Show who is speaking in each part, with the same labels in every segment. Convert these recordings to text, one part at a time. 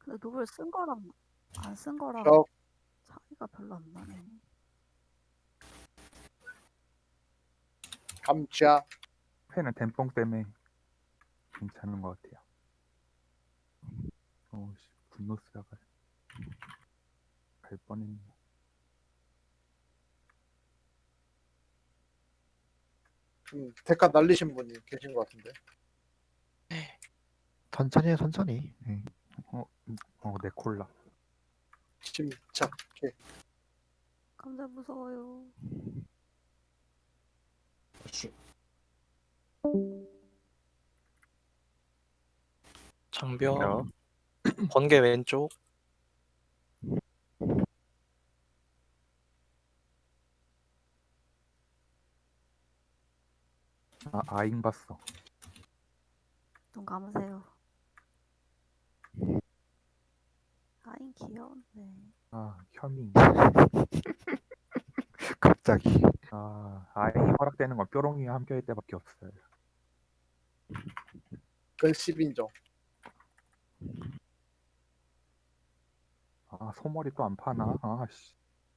Speaker 1: 근데 노블 쓴 거랑 안 쓴 거랑
Speaker 2: 저
Speaker 1: 차이가 별로 안 나네.
Speaker 2: 감자
Speaker 3: 펜은 댐뽕 때문에 괜찮은 것 같아요. 어우씨, 분노 쓰다가 갈 뻔했네.
Speaker 2: 좀 대가 날리신 분이 계신 것 같은데.
Speaker 4: 천천히 해, 천천히. 네.
Speaker 3: 내 콜라.
Speaker 2: 침착해.
Speaker 1: 감자 무서워요.
Speaker 5: 장벽 번개 왼쪽.
Speaker 3: 아잉 봤어.
Speaker 1: 눈 감으세요. 아인 귀여운데.
Speaker 3: 현미.
Speaker 4: 갑자기.
Speaker 3: 아잉이 허락되는 건 뾰롱이와 함께할 때밖에 없어요.
Speaker 2: 그건 10인정.
Speaker 3: 소머리 또 안 파나? 씨.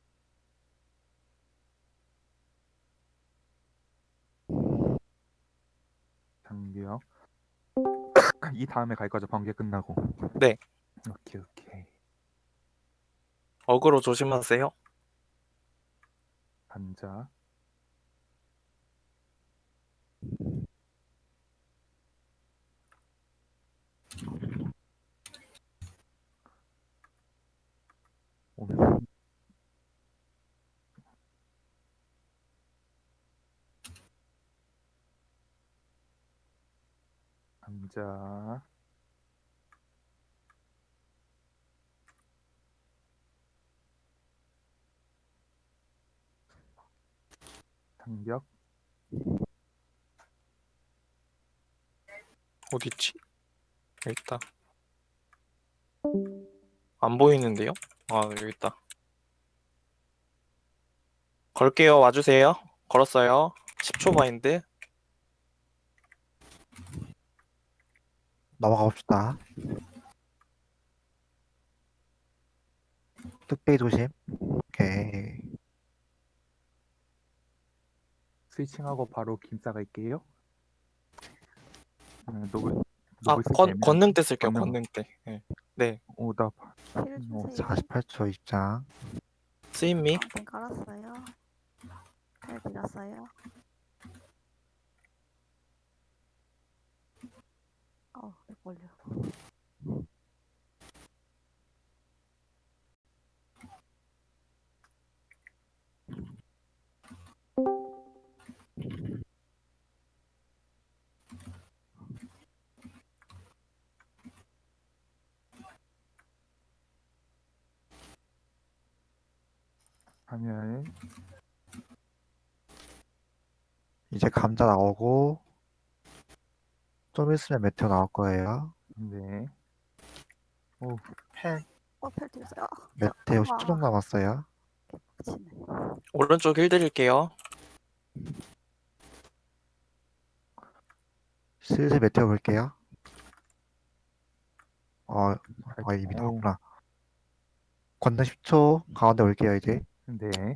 Speaker 3: 장벽. 이 다음에 갈 거죠, 번개 끝나고.
Speaker 5: 네.
Speaker 3: 오케이.
Speaker 5: 어그로 조심하세요.
Speaker 3: 감자. 오면 감자. 장벽.
Speaker 5: 어딨지? 여기 있다. 안 보이는데요? 여기 있다. 걸게요. 와주세요. 걸었어요. 10초 바인드.
Speaker 4: 넘어가 봅시다. 뚝배기 조심. 오케이.
Speaker 3: 스위칭하고 바로 김싸 갈게요. 노블 쓸
Speaker 5: 권능 때 쓸게요.
Speaker 3: 권능.
Speaker 5: 권능 때. 네.
Speaker 3: 나
Speaker 1: 힐 주세요.
Speaker 4: 48초 입장.
Speaker 5: 쓰임미.
Speaker 1: 방패 깔았어요. 잘 밀었어요. 왜 걸려.
Speaker 3: 하면
Speaker 4: 이제 감자 나오고 좀 있으면 메테오 나올 거예요.
Speaker 3: 네.
Speaker 2: 펜
Speaker 1: 펠 튀었어요.
Speaker 4: 메테오 10초 정도 남았어요.
Speaker 1: 개빡치네.
Speaker 5: 오른쪽 힐 드릴게요.
Speaker 4: 슬슬 메테오 볼게요. 이미
Speaker 3: 오.
Speaker 4: 나왔구나. 권능 10초 가운데 올게요 이제.
Speaker 3: 네.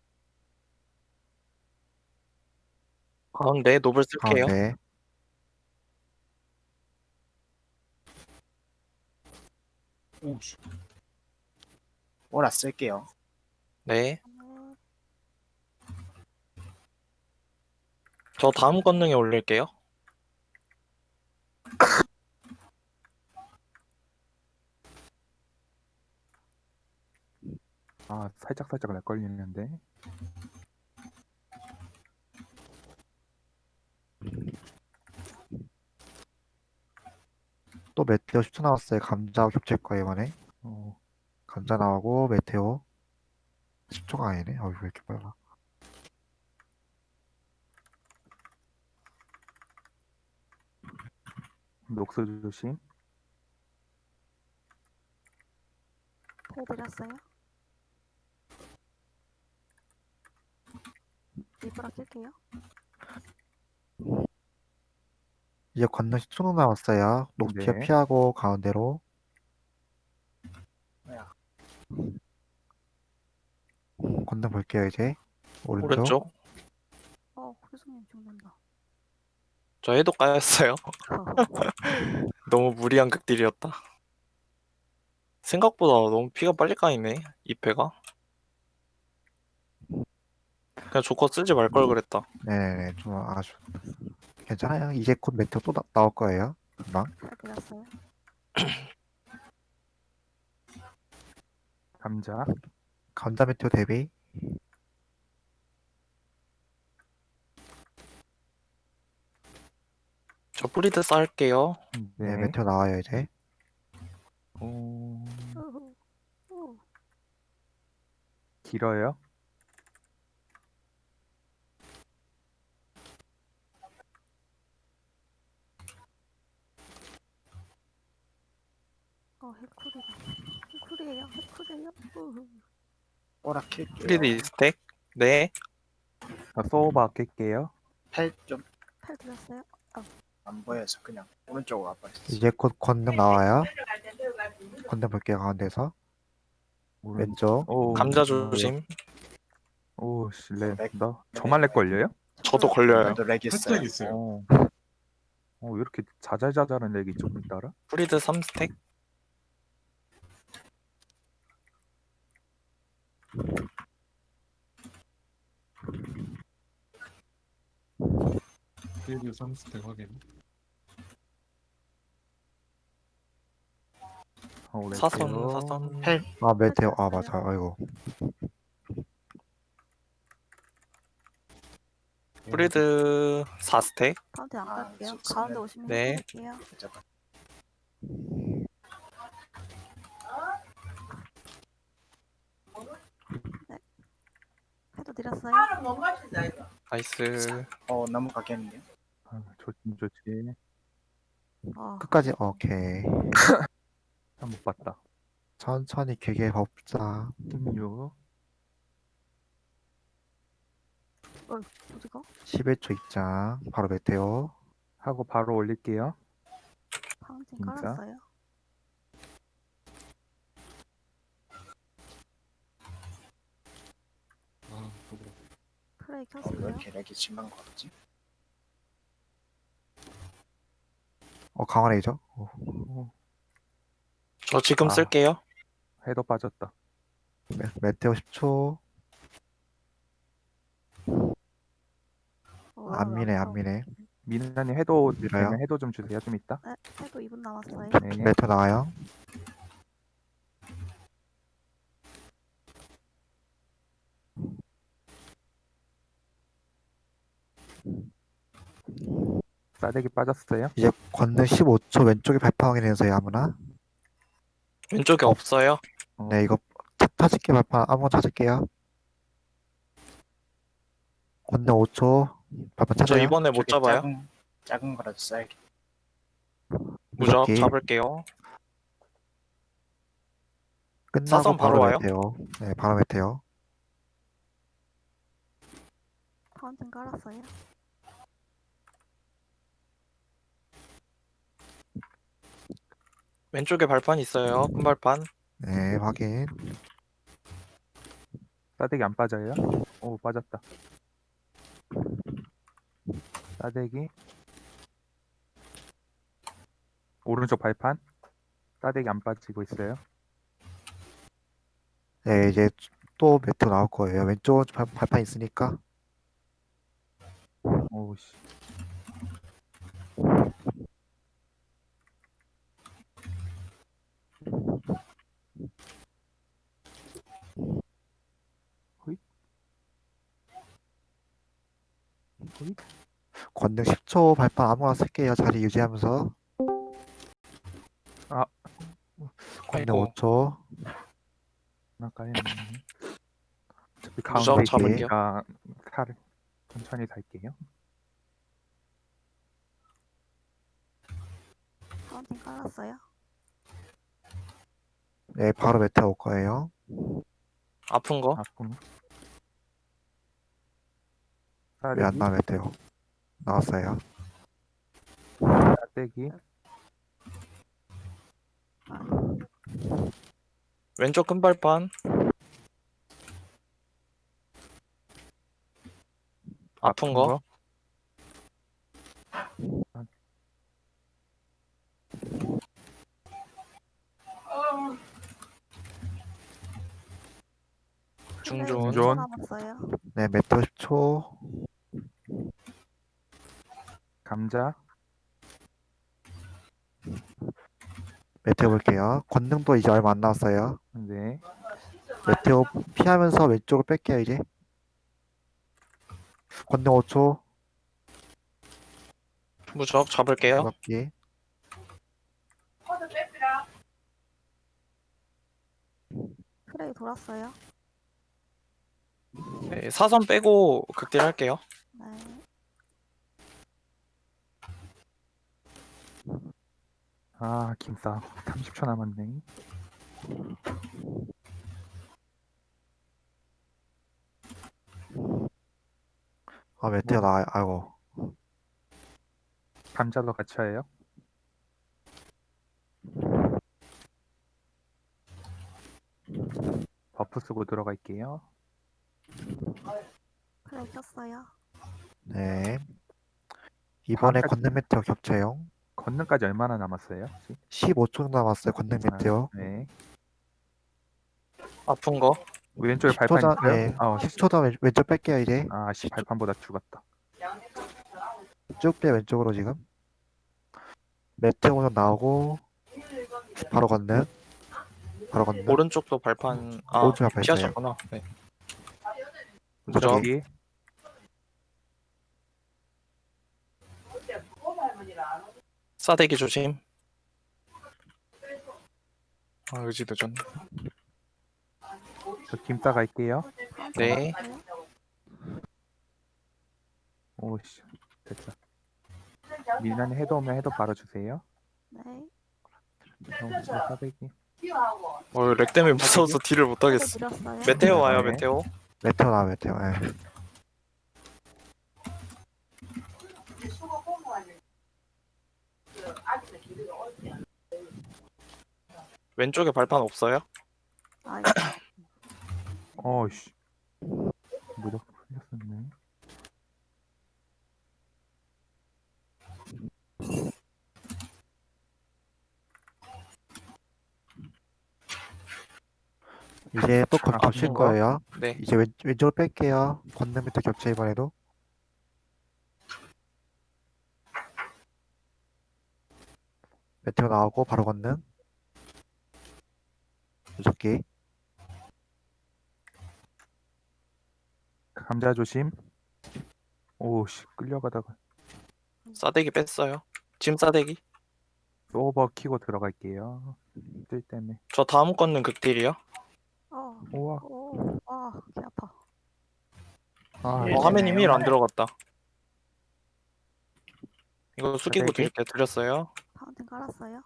Speaker 5: 가운데 노블 쓸게요.
Speaker 4: 가운데.
Speaker 2: 오씨. 오라 쓸게요.
Speaker 5: 네. 저 다음 권능에 올릴게요.
Speaker 3: 살짝 날 걸리는데.
Speaker 4: 또 메테오 10초 남았어요. 감자 겹칠 거예요 이번에. 감자 나오고 메테오 10초가 아니네. 왜 이렇게 빨라.
Speaker 3: 녹스 조심.
Speaker 1: 펠 드렸어요. 리브라 쓸게요.
Speaker 4: 이제 권능 10초 남았어요. 녹티어
Speaker 3: 네.
Speaker 4: 피하고 가운데로. 건능 볼게요 이제. 오른쪽.
Speaker 5: 오른쪽.
Speaker 1: 교수님 죽는다.
Speaker 5: 저 해도 까였어요. 너무 무리한 극딜이었다. 생각보다 너무 피가 빨리 까이네. 이 패가. 그냥 조커 쓰지 말 걸 그랬다.
Speaker 4: 네네네 좀 아주 괜찮아요. 이제 곧 메테오 또 나올 거예요. 금방.
Speaker 1: 팔 들었어요.
Speaker 3: 감자.
Speaker 4: 감자 메테오 대비.
Speaker 5: 저 프리드 쌓을게요.
Speaker 4: 네,
Speaker 3: 네.
Speaker 4: 메테오 나와요 이제.
Speaker 3: 오,
Speaker 1: 우후. 우.
Speaker 3: 길어요.
Speaker 1: 해쿨이다. 해쿨이에요. 우후.
Speaker 2: 오락킬게요.
Speaker 5: 프리드 2스택. 네.
Speaker 3: 자, 소바 깰게요.
Speaker 2: 팔좀
Speaker 1: 팔 들었어요.
Speaker 2: 안 보여서 그냥 오른쪽으로 와버렸어.
Speaker 4: 이제 곧 건능 나와요. 건능 볼게요 가운데서. 왼쪽.
Speaker 3: 오,
Speaker 5: 감자 조심.
Speaker 3: 오, 씨, 렉.
Speaker 2: 렉.
Speaker 3: 저만 렉 걸려요?
Speaker 5: 저도 걸려요.
Speaker 2: 오늘도 렉 있어요.
Speaker 6: 살짝 있어요.
Speaker 3: 왜 이렇게 자잘자잘한 렉이 조금 따라?
Speaker 5: 프리드 3스택.
Speaker 6: 필드 3스택 확인.
Speaker 5: 사선.
Speaker 2: 팔
Speaker 4: 아 메테오. 아 맞아. 아이고.
Speaker 5: 프리드 4스택.
Speaker 1: 가운데 안
Speaker 2: 아,
Speaker 1: 갈게요.
Speaker 2: 좋습니다.
Speaker 1: 가운데 오시면
Speaker 5: 네.
Speaker 1: 해드릴게요.
Speaker 2: 잠깐.
Speaker 1: 해도 드렸어요.
Speaker 5: 나이스.
Speaker 2: 넘어가겠네요.
Speaker 3: 좋지.
Speaker 4: 끝까지 오케이.
Speaker 3: 못 봤다.
Speaker 4: 천천히 길게 법자.
Speaker 3: 16.
Speaker 1: 어디가?
Speaker 4: 11초 입장. 바로 메테오.
Speaker 3: 하고 바로 올릴게요.
Speaker 1: 파운틴
Speaker 3: 진짜?
Speaker 1: 깔았어요.
Speaker 6: 아, 그거.
Speaker 1: 플레이
Speaker 2: 왜
Speaker 1: 켰어요.
Speaker 2: 이렇게 렉이 심한 거지?
Speaker 4: 강화 레이저.
Speaker 5: 저 지금
Speaker 3: 아.
Speaker 5: 쓸게요.
Speaker 3: 해도 빠졌다.
Speaker 4: 메테오 10초. 안 미네 안 미네.
Speaker 3: 미나님 해도
Speaker 4: 밀어요?
Speaker 3: 되면 해도 좀 주세요. 좀 있다.
Speaker 1: 네, 해도 2분 남았어요.
Speaker 3: 네.
Speaker 4: 메테오 나와요.
Speaker 3: 싸대기 빠졌어요.
Speaker 4: 이제 건능 15초 왼쪽에 발판 확인해서요 아무나.
Speaker 5: 왼쪽에 없어요.
Speaker 4: 네 이거 찾을게 발판 아무거나 찾을게요. 건능 5초 발판
Speaker 5: 저
Speaker 4: 찾아요.
Speaker 5: 이번에 못
Speaker 2: 저기
Speaker 5: 잡아요.
Speaker 2: 작은 거라도 써야겠.
Speaker 5: 무적
Speaker 4: 무적기.
Speaker 5: 잡을게요.
Speaker 4: 끝나고
Speaker 5: 사선 바로
Speaker 4: 바로
Speaker 5: 와요?
Speaker 4: 메테오. 네 바로 메테오.
Speaker 1: 파운틴 깔았어요.
Speaker 5: 왼쪽에 발판 있어요. 큰 발판.
Speaker 4: 네 확인.
Speaker 3: 싸대기 안 빠져요. 오, 빠졌다. 싸대기. 오른쪽 발판. 싸대기 안 빠지고 있어요.
Speaker 4: 네 이제 또 메테오 나올 거예요. 왼쪽 발판 있으니까.
Speaker 3: 오씨. 호잇.
Speaker 4: 건능 10초 발판 아무거나 쓸게요. 자리 유지하면서.
Speaker 3: 아.
Speaker 4: 건능
Speaker 5: 아이고.
Speaker 4: 5초.
Speaker 3: 나까요. 어차피
Speaker 5: 무적
Speaker 3: 가운데
Speaker 5: 잡을게요.
Speaker 3: 있으니까 칼을 천천히 살게요.
Speaker 1: 파운틴 깔았어요.
Speaker 4: 네 바로 메테오 올 거예요.
Speaker 5: 아픈 거.
Speaker 3: 아픈.
Speaker 4: 왜 안 나와 메테오. 나왔어요.
Speaker 3: 싸대기.
Speaker 5: 왼쪽 큰 발판. 아픈 거. 중존.
Speaker 3: 중존.
Speaker 1: 남았어요.
Speaker 4: 네, 메테오 10초.
Speaker 3: 감자.
Speaker 4: 메테오 볼게요. 권능도 이제 얼마 안 남았어요.
Speaker 3: 네.
Speaker 4: 메테오 피하면서 왼쪽으로 뺄게요, 이제. 권능 5초.
Speaker 5: 무적 잡을게요.
Speaker 4: 잡기.
Speaker 1: 프레이 돌았어요.
Speaker 5: 네, 사선 빼고 극딜 할게요.
Speaker 1: 네.
Speaker 3: 아, 김싸. 30초 남았네.
Speaker 4: 아, 메테오 나와요. 아이고.
Speaker 3: 감자도 같이 해요. 버프 쓰고 들어갈게요.
Speaker 1: 프레이 켰어요.
Speaker 4: 네. 이번에
Speaker 3: 다음까지-
Speaker 4: 권능 메테오 겹쳐요.
Speaker 3: 건능까지 얼마나 남았어요? 혹시?
Speaker 4: 15초 남았어요, 권능 메테오.
Speaker 3: 네.
Speaker 5: 아픈 거.
Speaker 3: 왼쪽에
Speaker 4: 10초
Speaker 3: 발판
Speaker 4: 전,
Speaker 3: 있어요?
Speaker 4: 네.
Speaker 3: 아,
Speaker 4: 10초 전 왼쪽 뺄게요, 이제.
Speaker 3: 아, 씨, 발판보다 죽었다.
Speaker 4: 쭉 빼, 왼쪽으로 지금. 메테오 좀 나오고, 바로 권능. 바로 권능.
Speaker 5: 오른쪽도 발판. 아,
Speaker 4: 오른쪽 발판 있어요.
Speaker 5: 피하셨구나. 네. 무적.
Speaker 3: 저기
Speaker 5: 싸대기 조심. 아, 의지 늦었네.
Speaker 3: 저 김싸 갈게요.
Speaker 5: 네.
Speaker 3: 오씨, 됐다. 미나님 해도 오면 해도 바로 주세요.
Speaker 1: 네.
Speaker 3: 사대기.
Speaker 5: 렉 때문에 무서워서 딜을 못
Speaker 1: 프레이
Speaker 5: 하겠어.
Speaker 1: 드렸어요.
Speaker 5: 메테오 와요,
Speaker 3: 네.
Speaker 5: 메테오.
Speaker 4: 메테오 나와, 메테오. 네.
Speaker 5: 왼쪽에 발판 없어요?
Speaker 1: 아,
Speaker 3: 어이씨. 무적 풀렸었네.
Speaker 4: 이제 또
Speaker 3: 아,
Speaker 4: 겹칠
Speaker 5: 아픈 거?
Speaker 4: 거예요.
Speaker 5: 네.
Speaker 4: 이제 왼쪽으로 뺄게요. 권능 메테오 겹쳐, 이번에도. 메테오 나오고, 바로 권능. 무적기.
Speaker 3: 감자 조심. 오씨, 끌려가다가
Speaker 5: 싸대기 뺐어요. 짐 싸대기.
Speaker 3: 오버 키고 들어갈게요. 뜰 때문에.
Speaker 5: 저 다음 건는 극딜이요.
Speaker 3: 우와.
Speaker 1: 오, 와, 개 아파.
Speaker 3: 아,
Speaker 5: 화면이 힐 안 들어갔다. 이거 숙이고
Speaker 3: 싸대기?
Speaker 5: 드릴게요. 드렸어요.
Speaker 1: 파운틴 깔았어요.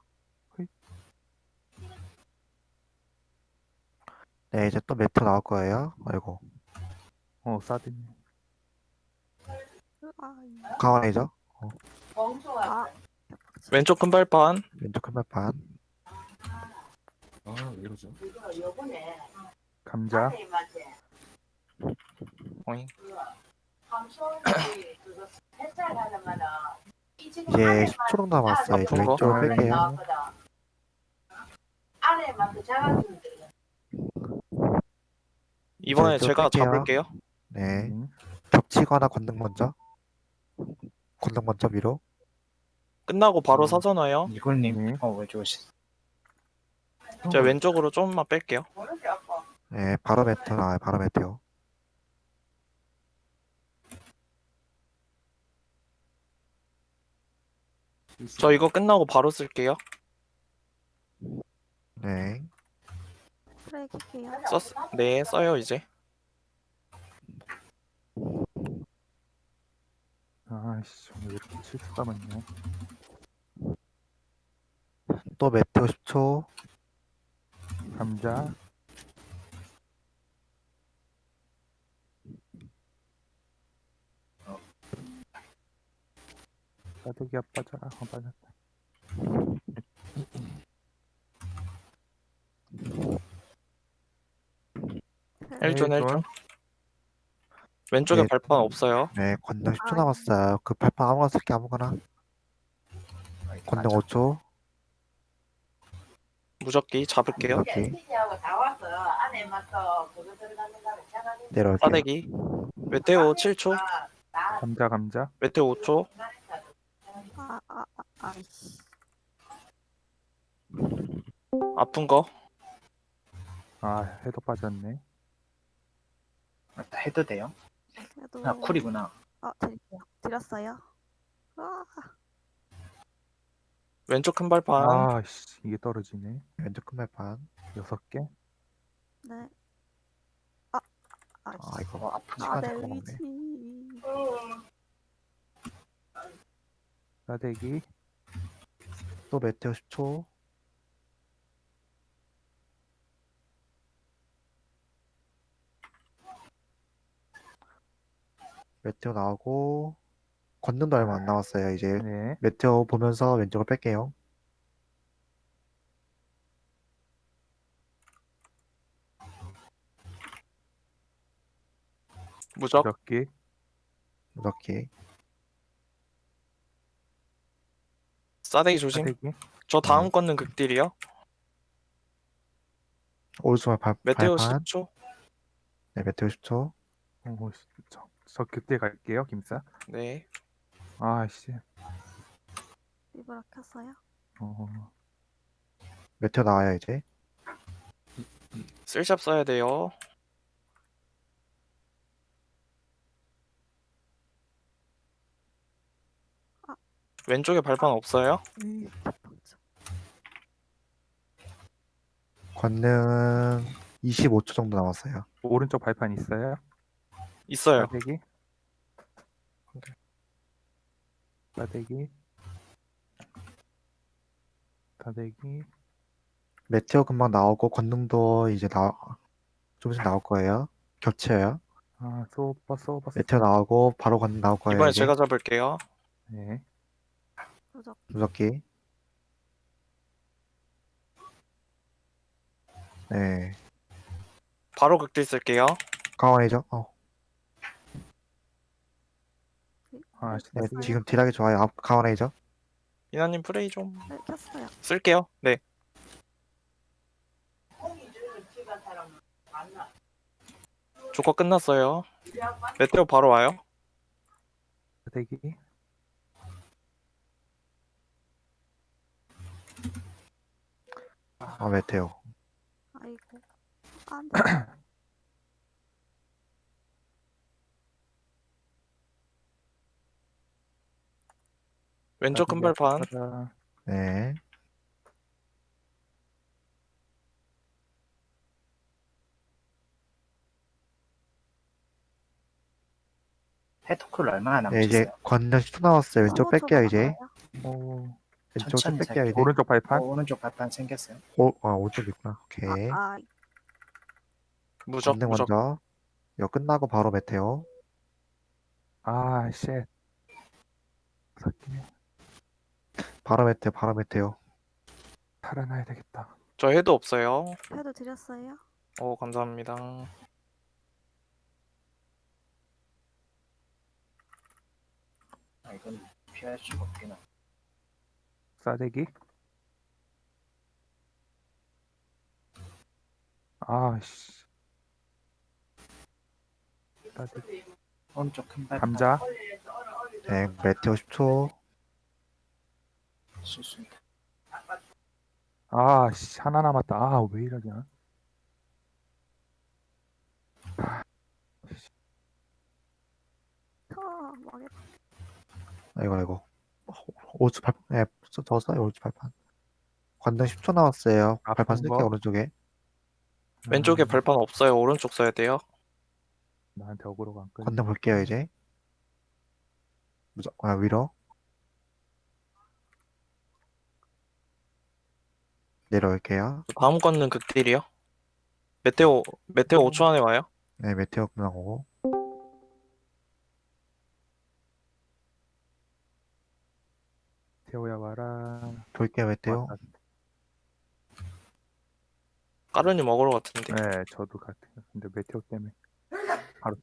Speaker 4: 네, 이제 또 메테오 나올 거예요. 아이고.
Speaker 3: 사드님.
Speaker 1: 아,
Speaker 4: 강화이죠?
Speaker 1: 아,
Speaker 5: 왼쪽 큰 발판.
Speaker 4: 왼쪽 큰 발판.
Speaker 6: 아, 왜 이러죠?
Speaker 3: 감자.
Speaker 5: 어잉.
Speaker 4: 이제 10초 정도 남았어요. 이제
Speaker 5: 아픈 거?
Speaker 4: 왼쪽으로 뺄게요.
Speaker 5: 이번에
Speaker 4: 저
Speaker 5: 제가
Speaker 4: 뺄게요.
Speaker 5: 잡을게요.
Speaker 4: 네.
Speaker 3: 음.
Speaker 4: 겹치거나 권능 먼저. 권능 먼저 위로.
Speaker 5: 끝나고 바로 사선 와요.
Speaker 7: 이걸님,
Speaker 3: 네.
Speaker 7: 왜 좋으시?
Speaker 5: 제가 왼쪽으로 좀만 뺄게요.
Speaker 4: 네, 바로 메테오 나와요. 바로 메테오.
Speaker 5: 저 이거 끝나고 바로 쓸게요.
Speaker 4: 네.
Speaker 1: 프레이 킬게요.
Speaker 5: 네, 써요 이제.
Speaker 3: 아이씨, 왜 이렇게 실수가 많네.
Speaker 4: 또 메테오 10초.
Speaker 3: 감자. 싸대기가 빠져라. 빠졌다.
Speaker 5: 1존
Speaker 3: 네,
Speaker 5: 1존. 왼쪽에
Speaker 4: 네.
Speaker 5: 발판 없어요.
Speaker 4: 네, 권능 10초
Speaker 1: 아,
Speaker 4: 남았어요. 그 발판 아무거나 쓸게 아무거나. 권능 5초.
Speaker 5: 무적기 잡을게요.
Speaker 4: 무섭게 내려올게요.
Speaker 5: 싸대기. 메테오 7초.
Speaker 3: 감자.
Speaker 5: 메테오 5초.
Speaker 1: 아이씨.
Speaker 5: 아픈 거.
Speaker 3: 아, 해도 빠졌네.
Speaker 7: 맞다, 해도 돼요?
Speaker 1: 그래도.
Speaker 7: 아, 쿨이구나.
Speaker 1: 드렸어요. 아,
Speaker 5: 왼쪽 큰 발판.
Speaker 3: 아, 씨, 이게 떨어지네.
Speaker 4: 왼쪽 큰 발판.
Speaker 3: 6개.
Speaker 1: 네. 아이씨.
Speaker 4: 아, 이거
Speaker 7: 아픈
Speaker 4: 시간
Speaker 1: 내
Speaker 4: 잠깐 먹네.
Speaker 1: 위치.
Speaker 3: 싸대기.
Speaker 4: 또 메테오 10초. 메테오 나오고 권능도 얼마 안 남았어요. 이제
Speaker 3: 네.
Speaker 4: 메테오 보면서 왼쪽을 뺄게요.
Speaker 5: 무적.
Speaker 3: 무적기.
Speaker 4: 무섭게.
Speaker 5: 싸대기 조심.
Speaker 3: 싸대기.
Speaker 5: 저 다음 건는 극딜이요.
Speaker 4: 오른쪽
Speaker 5: 메테오
Speaker 4: 발판.
Speaker 5: 10초.
Speaker 4: 네, 메테오 10초.
Speaker 3: 오, 씨, 저 그때 갈게요, 김싸.
Speaker 5: 네.
Speaker 3: 아, 씨.
Speaker 1: 리브라 켰어요?
Speaker 3: 어,
Speaker 4: 메테오 나와요 이제.
Speaker 5: 쓸샵 써야 돼요. 왼쪽에 발판 없어요.
Speaker 1: 대박죠.
Speaker 4: 권능 25초 정도 남았어요.
Speaker 3: 오른쪽 발판 있어요?
Speaker 5: 있어요.
Speaker 3: 싸대기. 싸대기. 싸대기.
Speaker 4: 메테오 금방 나오고 권능도 이제 좀 있으면 나올 거예요. 겹쳐요.
Speaker 3: 아, 쏘버.
Speaker 4: 메테오 나오고 바로 권능 나올 거예요.
Speaker 5: 이번에
Speaker 4: 이제.
Speaker 5: 제가 잡을게요.
Speaker 3: 네.
Speaker 1: 무적.
Speaker 4: 무섭게. 네.
Speaker 5: 바로 극딜 쓸게요.
Speaker 4: 강원이죠.
Speaker 3: 아, 씨,
Speaker 4: 네,
Speaker 3: 싸대기.
Speaker 4: 지금 딜하기 좋아요. 강원이죠.
Speaker 5: 이나님 플레이 좀
Speaker 1: 네, 켰어요.
Speaker 5: 쓸게요. 네. 조커 끝났어요. 메테오 바로 와요.
Speaker 3: 싸대기.
Speaker 4: 메테오.
Speaker 1: 아이고. 안 돼.
Speaker 5: 왼쪽 큰 발판.
Speaker 3: 가자.
Speaker 4: 네.
Speaker 7: 해토쿨 얼마나
Speaker 4: 네, 이제
Speaker 7: 남으셨어요?
Speaker 4: 권능 10초 남았어요. 왼쪽
Speaker 1: 15초
Speaker 4: 뺄게요 이제.
Speaker 1: 남았어요.
Speaker 3: 오,
Speaker 4: 왼쪽 좀
Speaker 7: 천천히
Speaker 4: 뺄게요
Speaker 7: 살게요.
Speaker 4: 이제.
Speaker 3: 오른쪽 발판.
Speaker 7: 오른쪽 발판 생겼어요.
Speaker 4: 오른쪽 있구나. 오케이.
Speaker 5: 무적
Speaker 4: 권능
Speaker 5: 무적.
Speaker 4: 먼저. 이거 끝나고 바로 메테오.
Speaker 3: 아, 쉣. 새끼.
Speaker 4: 바로 메테오.
Speaker 3: 살아나야 되겠다.
Speaker 5: 저 해도 없어요.
Speaker 1: 패드 드렸어요?
Speaker 5: 오 감사합니다.
Speaker 7: 아, 이건 피할 수가 없긴 하.
Speaker 3: 싸대기. 아, 씨. 싸대기.
Speaker 7: 오른쪽 큰 발판.
Speaker 3: 감자.
Speaker 4: 네, 메테오 10초.
Speaker 7: 실수입니다.
Speaker 3: 아, 씨. 하나 남았다. 아, 왜 이러냐.
Speaker 1: 망했다.
Speaker 4: 아이고. 오른쪽 발판. 네, 저 써요 오른쪽 발판. 권능 10초 남았어요. 발판
Speaker 3: 아픈
Speaker 4: 쓸게요
Speaker 3: 거?
Speaker 4: 오른쪽에.
Speaker 5: 왼쪽에 발판 없어요. 오른쪽 써야 돼요.
Speaker 3: 나한테 어그로가 안 끌려.
Speaker 4: 권능 볼게요 이제. 위로. 내려올게요.
Speaker 5: 다음 건는 극딜이요. 메테오 5초 안에 와요.
Speaker 4: 네, 메테오 금방 오고.
Speaker 3: 태호야 와라.
Speaker 4: 볼게요 메테오.
Speaker 3: 왔다.
Speaker 5: 까르니 먹으러 같은데.
Speaker 3: 네, 저도 같아요. 근데 메테오 때문에 바로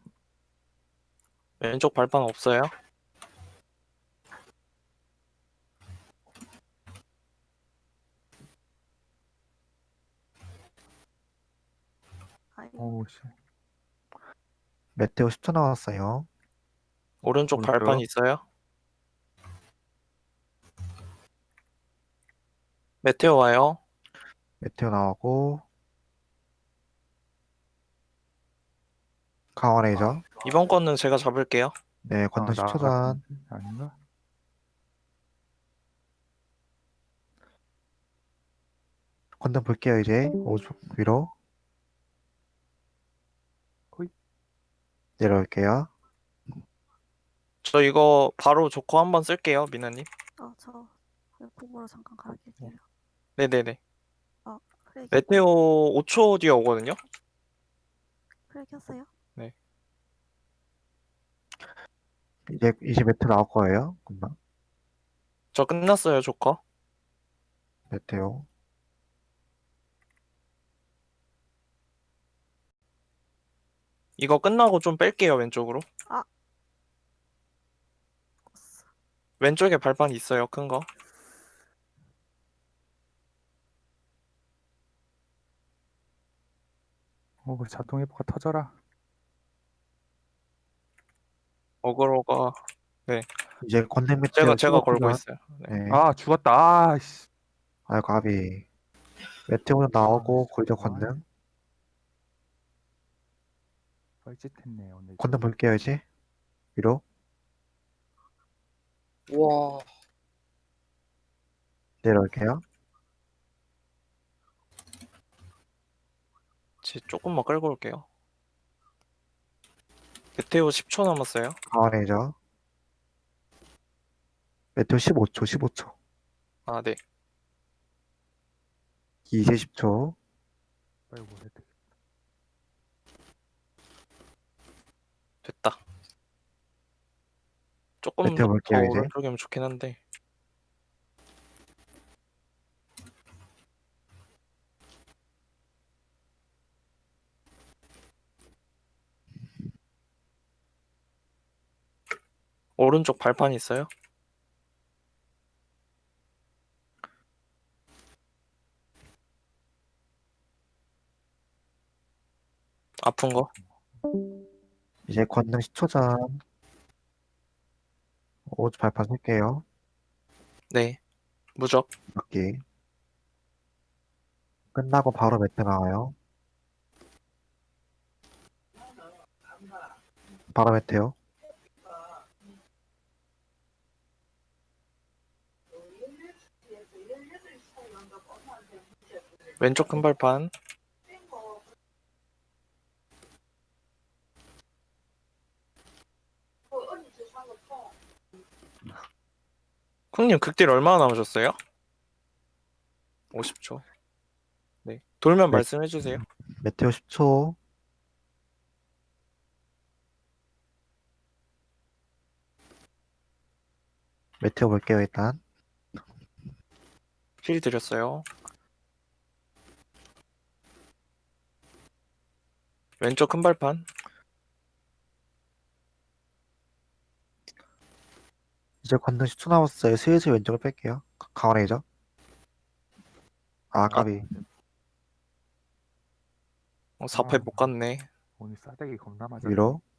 Speaker 5: 왼쪽 발판 없어요?
Speaker 1: 아이고.
Speaker 3: 오씨.
Speaker 4: 메테오 10초 남았어요.
Speaker 5: 오른쪽
Speaker 3: 오른쪽.
Speaker 5: 발판 있어요? 메테오 와요.
Speaker 4: 메테오 나오고 강화 레이저.
Speaker 5: 이번 거는 제가 잡을게요.
Speaker 4: 네, 권능 10초 전.
Speaker 3: 나갔는데? 아닌가?
Speaker 4: 권능 볼게요 이제. 오른쪽 위로.
Speaker 3: 호이.
Speaker 4: 내려올게요.
Speaker 5: 저 이거 바로 조커 한번 쓸게요, 미나님.
Speaker 1: 저 공으로 잠깐 갈아낄게요.
Speaker 5: 네네네.
Speaker 1: 프레이
Speaker 5: 메테오 5초 뒤에 오거든요.
Speaker 1: 프레이 켰어요?
Speaker 4: 이제 메테오 나올 거예요. 금방.
Speaker 5: 저 끝났어요, 조커.
Speaker 4: 메테오.
Speaker 5: 이거 끝나고 좀 뺄게요, 왼쪽으로.
Speaker 1: 어스.
Speaker 5: 왼쪽에 발판 있어요, 큰 거.
Speaker 3: 오, 자동 회복가 터져라.
Speaker 5: 어그로가
Speaker 4: 이제 권능 메테오
Speaker 5: 제가
Speaker 4: 15초
Speaker 5: 걸고
Speaker 4: 전.
Speaker 5: 있어요. 네.
Speaker 4: 네.
Speaker 3: 아, 죽었다. 아씨.
Speaker 4: 아이고 가비. 메테오 나오고
Speaker 3: 아,
Speaker 4: 골드
Speaker 3: 뭐하네.
Speaker 4: 권능.
Speaker 3: 뻘짓했네 오늘.
Speaker 4: 권능 볼게요 이제. 위로.
Speaker 2: 우와.
Speaker 4: 내려올게요.
Speaker 5: 조금만 끌고 올게요. 메테오 10초 남았어요.
Speaker 4: 강화 레이저. 메테오 15초 15초.
Speaker 5: 아, 네.
Speaker 4: 이제 10초.
Speaker 3: 빨리 뭐 해야 돼.
Speaker 5: 됐다. 조금
Speaker 4: 메테오
Speaker 5: 더
Speaker 4: 볼게요, 이제.
Speaker 5: 오른쪽이면 좋긴 한데. 오른쪽 발판 있어요? 아픈 거?
Speaker 4: 이제 권능 10초 전. 오른쪽 발판 쓸게요.
Speaker 5: 네. 무적.
Speaker 4: 맞기. 끝나고 바로 메테오 나와요. 바로 메테오.
Speaker 5: 왼쪽 큰 발판. 쿵님 극딜 얼마나 남으셨어요? 50초. 네. 돌면
Speaker 4: 네.
Speaker 5: 말씀해 주세요.
Speaker 4: 메테오 10초. 메테오 볼게요 일단.
Speaker 5: 힐 드렸어요. 왼쪽 큰 발판.
Speaker 4: 이제 권능 10초 남았어요. 슬슬 왼쪽을 뺄게요. 강화 레이저. 아 까비.
Speaker 5: 4패 못 갔네.
Speaker 3: 오늘 싸대기 겁나 맞아.
Speaker 4: 위로.